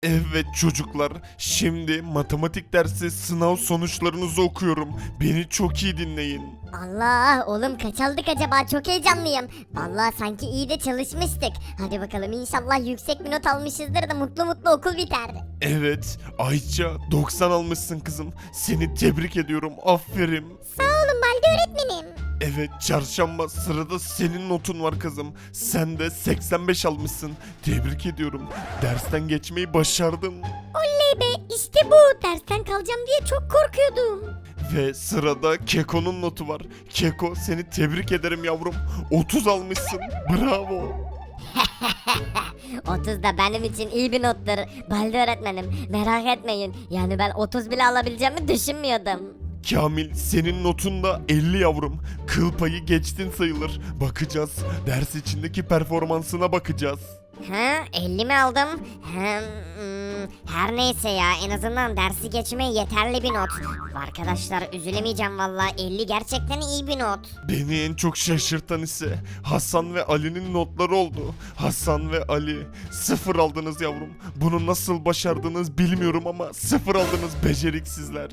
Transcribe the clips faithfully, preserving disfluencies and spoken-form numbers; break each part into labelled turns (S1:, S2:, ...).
S1: Evet çocuklar, şimdi matematik dersi sınav sonuçlarınızı okuyorum. Beni çok iyi dinleyin.
S2: Allah oğlum kaç aldık acaba, çok heyecanlıyım. Vallahi sanki iyi de çalışmıştık. Hadi bakalım, inşallah yüksek bir not almışızdır da mutlu mutlu okul biter.
S1: Evet, Ayça doksan almışsın kızım. Seni tebrik ediyorum, aferin.
S2: Sağ olun Baldi öğretmenim.
S1: Evet, çarşamba sırada senin notun var kızım. Sen de seksen beş almışsın. Tebrik ediyorum. Dersten geçmeyi başardın.
S2: Oley be, işte bu, dersten kalacağım diye çok korkuyordum.
S1: Ve sırada Keko'nun notu var. Keko, seni tebrik ederim yavrum. otuz almışsın. Bravo.
S2: otuz da benim için iyi bir nottur Baldi öğretmenim, merak etmeyin. Yani ben otuz bile alabileceğimi düşünmüyordum.
S1: Kamil, senin notun da elli yavrum. Kıl payı geçtin sayılır. Bakacağız. Ders içindeki performansına bakacağız.
S2: Ha, elli mi aldım? Hem, hmm, her neyse ya, en azından dersi geçmeye yeterli bir not. Arkadaşlar üzülemeyeceğim valla, elli gerçekten iyi bir not.
S1: Beni en çok şaşırtan ise Hasan ve Ali'nin notları oldu. Hasan ve Ali sıfır aldınız yavrum. Bunu nasıl başardınız bilmiyorum ama sıfır aldınız beceriksizler.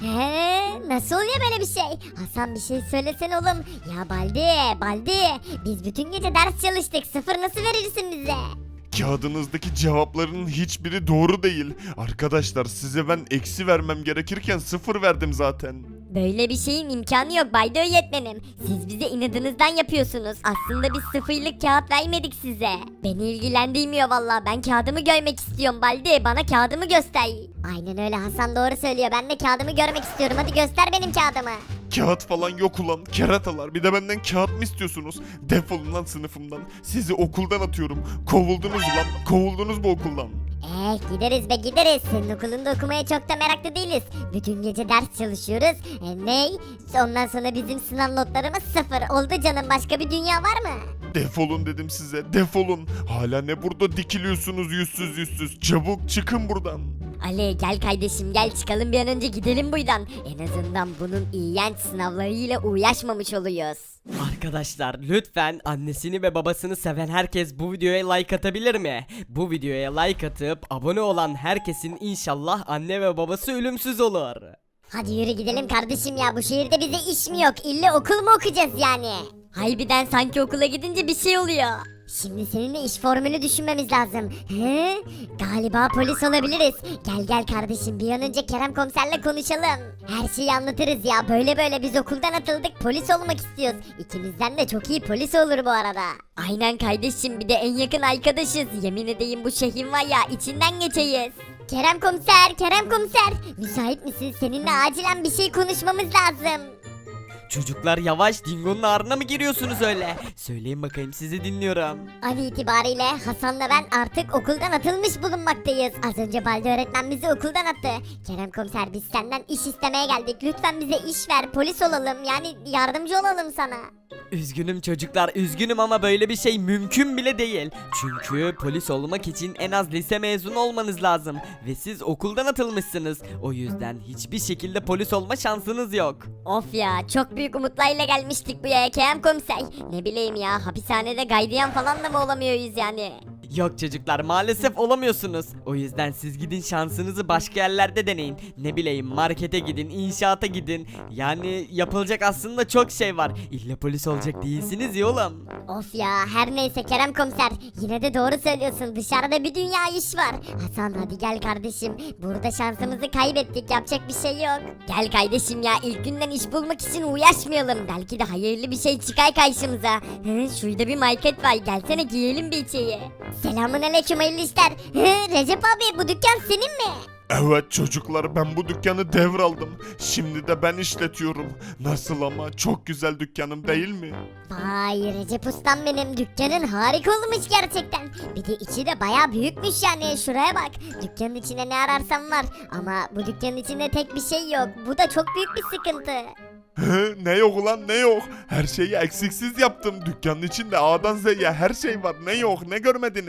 S2: He, nasıl oluyor böyle bir şey? Hasan bir şey söylesen oğlum. Ya Baldi, Baldi, biz bütün gece ders çalıştık, sıfır nasıl verirsin bize?
S1: Kağıdınızdaki cevapların hiçbiri doğru değil. Arkadaşlar, size ben eksi vermem gerekirken sıfır verdim zaten.
S2: Böyle bir şeyin imkanı yok Baldi öğretmenim. Siz bize inadınızdan yapıyorsunuz. Aslında biz sıfırlık kağıt vermedik size. Beni ilgilendirmiyor valla. Ben kağıdımı görmek istiyorum Baldi. Bana kağıdımı göster. Aynen öyle, Hasan doğru söylüyor. Ben de kağıdımı görmek istiyorum. Hadi göster benim kağıdımı.
S1: Kağıt falan yok ulan keratalar. Bir de benden kağıt mı istiyorsunuz? Defolun lan sınıfımdan. Sizi okuldan atıyorum. Kovuldunuz lan. Kovuldunuz bu okuldan.
S2: Eh, gideriz be gideriz. Senin okulunda okumaya çok da meraklı değiliz. Bütün gece ders çalışıyoruz. E, ney? Ondan sonra bizim sınav notlarımız sıfır. Oldu canım, başka bir dünya var mı?
S1: Defolun dedim size. Defolun. Hala ne burada dikiliyorsunuz yüzsüz yüzsüz. Çabuk çıkın buradan.
S2: Ali gel kardeşim, gel çıkalım bir an önce, gidelim buradan. En azından bunun iğrenç sınavlarıyla uğraşmamış oluyoruz.
S3: Arkadaşlar lütfen annesini ve babasını seven herkes bu videoya like atabilir mi? Bu videoya like atıp abone olan herkesin inşallah anne ve babası ölümsüz olur.
S2: Hadi yürü gidelim kardeşim ya, bu şehirde bize iş mi yok, illa okul mu okuyacağız yani? Harbiden sanki okula gidince bir şey oluyor. Şimdi seninle iş formülü düşünmemiz lazım. He? Galiba polis olabiliriz. Gel gel kardeşim, bir an önce Kerem komiserle konuşalım. Her şeyi anlatırız ya, böyle böyle biz okuldan atıldık, polis olmak istiyoruz. İkimizden de çok iyi polis olur bu arada. Aynen kardeşim, bir de en yakın arkadaşız. Yemin edeyim bu şehrin var ya, içinden geçeyiz. Kerem komiser, Kerem komiser. Müsait misin? Seninle acilen bir şey konuşmamız lazım.
S3: Çocuklar yavaş, Dingo'nun ağrına mı giriyorsunuz öyle? Söyleyin bakayım, sizi dinliyorum.
S2: An itibariyle Hasan'la ben artık okuldan atılmış bulunmaktayız. Az önce Baldi öğretmen bizi okuldan attı. Kerem komiser, biz senden iş istemeye geldik. Lütfen bize iş ver, polis olalım, yani yardımcı olalım sana.
S3: Üzgünüm çocuklar, üzgünüm ama böyle bir şey mümkün bile değil. Çünkü polis olmak için en az lise mezunu olmanız lazım. Ve siz okuldan atılmışsınız. O yüzden hiçbir şekilde polis olma şansınız yok.
S2: Of ya, çok büyük umutlarla gelmiştik bu yaya Kerem komiser. Ne bileyim ya, hapishanede gardiyan falan da mı olamıyoruz yani?
S3: Yok çocuklar, maalesef olamıyorsunuz. O yüzden siz gidin şansınızı başka yerlerde deneyin. Ne bileyim, markete gidin, inşaata gidin. Yani yapılacak aslında çok şey var. İlla polis olacak değilsiniz ya oğlum.
S2: Of ya, her neyse Kerem komiser, yine de doğru söylüyorsun, dışarıda bir dünya iş var. Hasan hadi gel kardeşim, burada şansımızı kaybettik, yapacak bir şey yok. Gel kardeşim ya, ilk günden iş bulmak için uğraşmayalım, belki de hayırlı bir şey çıkar karşımıza. Hı, şurada bir market var, gelsene giyelim bir içeri. Selamun aleyküm, hayırlı işler. Hı, Recep abi, bu dükkan senin mi?
S1: Evet çocuklar, ben bu dükkanı devraldım. Şimdi de ben işletiyorum. Nasıl ama, çok güzel dükkanım değil mi?
S2: Vay Recep ustam benim, dükkanın harika olmuş gerçekten. Bir de içi de baya büyükmüş yani, şuraya bak. Dükkanın içinde ne ararsam var ama bu dükkanın içinde tek bir şey yok. Bu da çok büyük bir sıkıntı.
S1: Hı, ne yok ulan ne yok? Her şeyi eksiksiz yaptım. Dükkanın içinde A'dan Z'ye her şey var. Ne yok, ne görmediniz?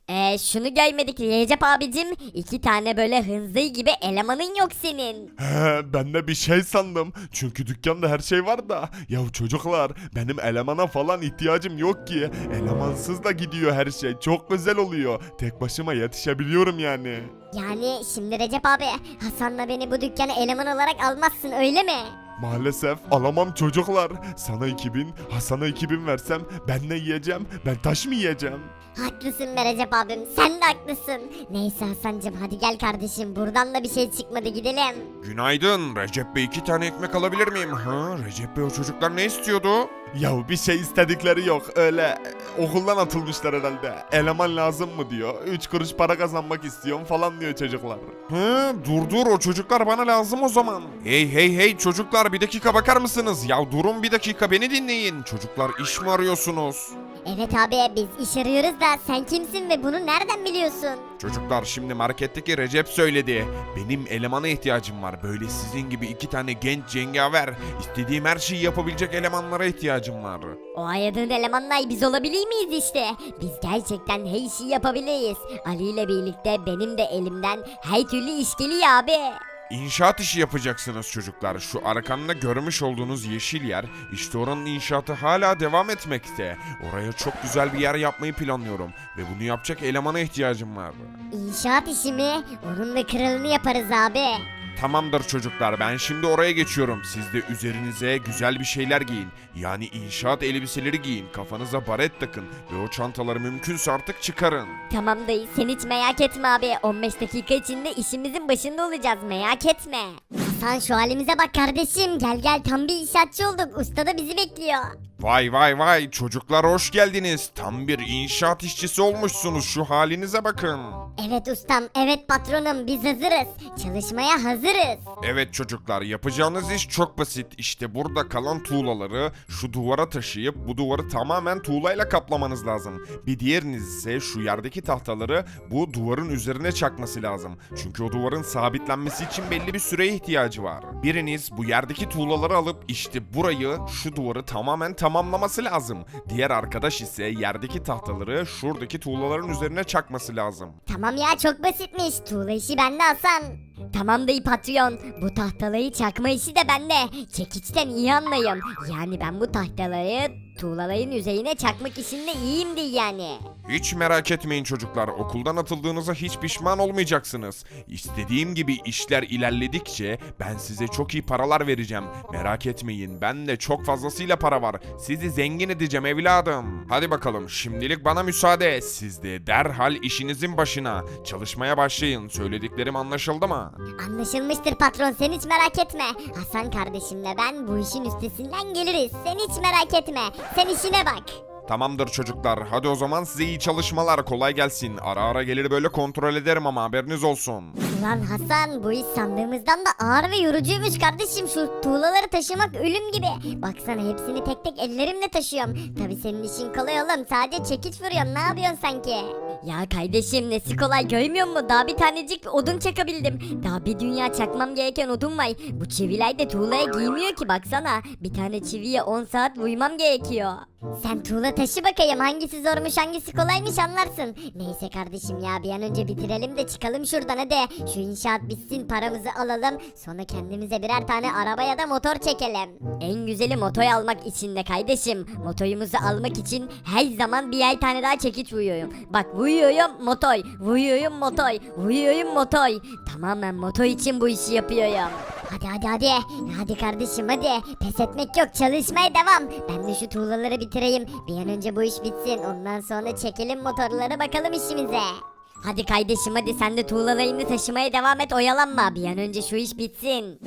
S2: Ee, şunu görmedik Recep abicim. İki tane böyle hınzı gibi elemanın yok senin.
S1: He, ben de bir şey sandım. Çünkü dükkanda her şey var da. Ya çocuklar, benim elemana falan ihtiyacım yok ki. Elemansız da gidiyor her şey. Çok güzel oluyor. Tek başıma yetişebiliyorum yani.
S2: Yani şimdi Recep abi Hasan'la beni bu dükkana eleman olarak almazsın öyle mi?
S1: Maalesef alamam çocuklar. Sana iki bin, Hasan'a iki bin versem ben ne yiyeceğim? Ben taş mı yiyeceğim?
S2: Haklısın be Recep abim sen de haklısın. Neyse Hasan'cım hadi gel kardeşim buradan da bir şey çıkmadı gidelim.
S4: Günaydın. Recep Bey iki tane ekmek alabilir miyim? Ha, Recep Bey o çocuklar ne istiyordu?
S1: Ya bir şey istedikleri yok. Öyle e, okuldan atılmışlar herhalde. Eleman lazım mı diyor. Üç kuruş para kazanmak istiyorum falan diyor çocuklar.
S4: Hı, dur dur o çocuklar bana lazım o zaman. Hey hey hey çocuklar bir dakika bakar mısınız? Ya durun bir dakika beni dinleyin. Çocuklar iş mi arıyorsunuz?
S2: Evet abi biz iş arıyoruz da sen kimsin ve bunu nereden biliyorsun?
S4: Çocuklar şimdi marketteki Recep söyledi. Benim elemana ihtiyacım var. Böyle sizin gibi iki tane genç cengaver. İstediğim her şeyi yapabilecek elemanlara ihtiyacım var.
S2: O ayadığın elemanlar biz olabilir miyiz işte? Biz gerçekten her şeyi yapabiliriz. Ali ile birlikte benim de elimden her türlü iş geliyor abi.
S4: İnşaat işi yapacaksınız çocuklar. Şu arkamda görmüş olduğunuz yeşil yer, işte oranın inşaatı hala devam etmekte. Oraya çok güzel bir yer yapmayı planlıyorum ve bunu yapacak elemana ihtiyacım var.
S2: İnşaat işi mi? Onun da kralını yaparız abi.
S4: Tamamdır çocuklar ben şimdi oraya geçiyorum. Siz de üzerinize güzel bir şeyler giyin. Yani inşaat elbiseleri giyin. Kafanıza baret takın ve o çantaları mümkünse artık çıkarın.
S2: Tamam dayı sen hiç merak etme abi. on beş dakika içinde işimizin başında olacağız merak etme. Hasan şu halimize bak kardeşim. Gel gel tam bir inşaatçı olduk. Usta da bizi bekliyor.
S4: Vay vay vay çocuklar hoş geldiniz. Tam bir inşaat işçisi olmuşsunuz şu halinize bakın.
S2: Evet ustam evet patronum biz hazırız. Çalışmaya hazırız.
S4: Evet çocuklar yapacağınız iş çok basit. İşte burada kalan tuğlaları şu duvara taşıyıp bu duvarı tamamen tuğlayla kaplamanız lazım. Bir diğeriniz ise şu yerdeki tahtaları bu duvarın üzerine çakması lazım. Çünkü o duvarın sabitlenmesi için belli bir süreye ihtiyacı var. Biriniz bu yerdeki tuğlaları alıp işte burayı şu duvarı tamamen tamamlaması lazım. Diğer arkadaş ise yerdeki tahtaları şuradaki tuğlaların üzerine çakması lazım.
S2: Tamam ya çok basitmiş. Tuğla işi bende Hasan. Tamam dayı patron. Bu tahtaları çakma işi de bende. Çekiçten iyi anlayım. Yani ben bu tahtaları tuğlaların üzerine çakmak işinde iyiyimdir yani.
S4: Hiç merak etmeyin çocuklar. Okuldan atıldığınıza hiç pişman olmayacaksınız. İstediğim gibi işler ilerledikçe ben size çok iyi paralar vereceğim. Merak etmeyin. Bende çok fazlasıyla para var. Sizi zengin edeceğim evladım. Hadi bakalım. Şimdilik bana müsaade. Siz de derhal işinizin başına. Çalışmaya başlayın. Söylediklerim anlaşıldı mı?
S2: Anlaşılmıştır patron sen hiç merak etme. Hasan kardeşimle ben bu işin üstesinden geliriz. Sen hiç merak etme. Sen işine bak.
S4: Tamamdır çocuklar. Hadi o zaman size iyi çalışmalar. Kolay gelsin. Ara ara gelir böyle kontrol ederim ama haberiniz olsun.
S2: Ulan Hasan bu iş sandığımızdan da ağır ve yorucuymuş kardeşim. Şu tuğlaları taşımak ölüm gibi. Baksana hepsini tek tek ellerimle taşıyorum. Tabi senin işin kolay oğlum. Sadece çekiç vuruyorsun. Ne yapıyorsun sanki? Ya kardeşim nesi kolay görmüyor musun? Daha bir tanecik odun çakabildim. Daha bir dünya çakmam gereken odun var. Bu çiviler de tuğlaya giymiyor ki baksana. Bir tane çiviye on saat uyumam gerekiyor. Sen tuğla taşı bakayım hangisi zormuş hangisi kolaymış anlarsın. Neyse kardeşim ya bir an önce bitirelim de çıkalım şuradan hadi. Şu inşaat bitsin paramızı alalım. Sonra kendimize birer tane araba ya da motor çekelim. En güzeli motor almak için de kardeşim. Motorumuzu almak için her zaman bir ay tane daha çekiç vuruyorum. Bak vuruyorum motor, vuruyorum motor, vuruyorum motor. Tamamen motor için bu işi yapıyorum. Hadi hadi hadi. Hadi kardeşim hadi. Pes etmek yok çalışmaya devam. Ben de şu tuğlaları bitireyim. Bir an önce bu iş bitsin. Ondan sonra çekelim motorları bakalım işimize. Hadi kardeşim hadi sen de tuğlalarını taşımaya devam et oyalanma. Bir an önce şu iş bitsin.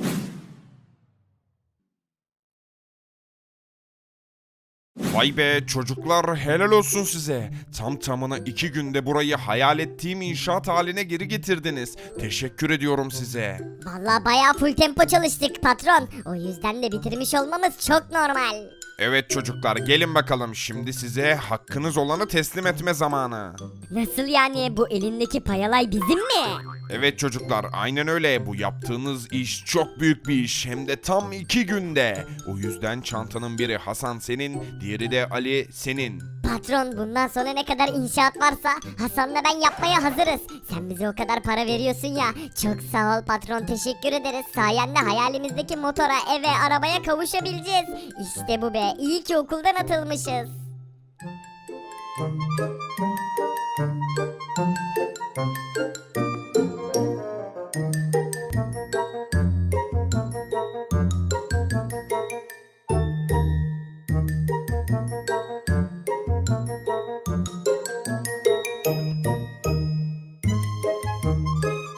S4: Vay be çocuklar helal olsun size. Tam tamına iki günde burayı hayal ettiğim inşaat haline geri getirdiniz. Teşekkür ediyorum size.
S2: Vallahi bayağı full tempo çalıştık patron. O yüzden de bitirmiş olmamız çok normal.
S4: Evet çocuklar gelin bakalım şimdi size hakkınız olanı teslim etme zamanı.
S2: Nasıl yani bu elindeki payalay bizim mi?
S4: Evet çocuklar aynen öyle bu yaptığınız iş çok büyük bir iş hem de tam iki günde. O yüzden çantanın biri Hasan senin diğeri de Ali senin.
S2: Patron bundan sonra ne kadar inşaat varsa Hasan'la ben yapmaya hazırız. Sen bize o kadar para veriyorsun ya. Çok sağ ol patron, teşekkür ederiz. Sayende hayalimizdeki motora, eve, arabaya kavuşabileceğiz. İşte bu be, iyi ki okuldan atılmışız.